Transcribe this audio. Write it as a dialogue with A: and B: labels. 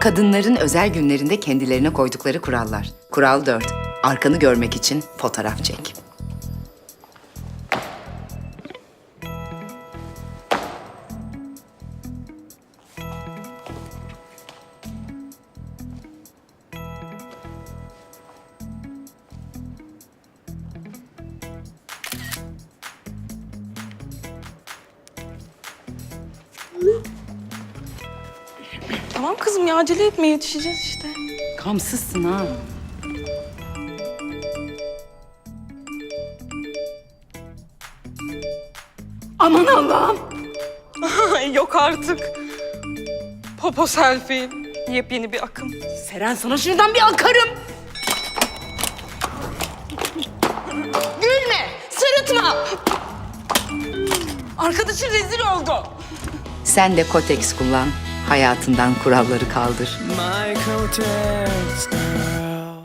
A: Kadınların özel günlerinde kendilerine koydukları kurallar. Kural 4. Arkanı görmek için fotoğraf çek.
B: Tamam kızım ya, acele etme, yetişeceğiz işte.
A: Kamsızsın ha. Aman Allah'ım.
B: Yok artık. Popo selfie. Yepyeni bir akım.
A: Seren, sana şuradan bir akarım.
B: Gülme, sırıtma. Arkadaşın rezil oldu.
A: Sen de Kotex kullan. Hayatından kuralları kaldır.
C: My Kotex.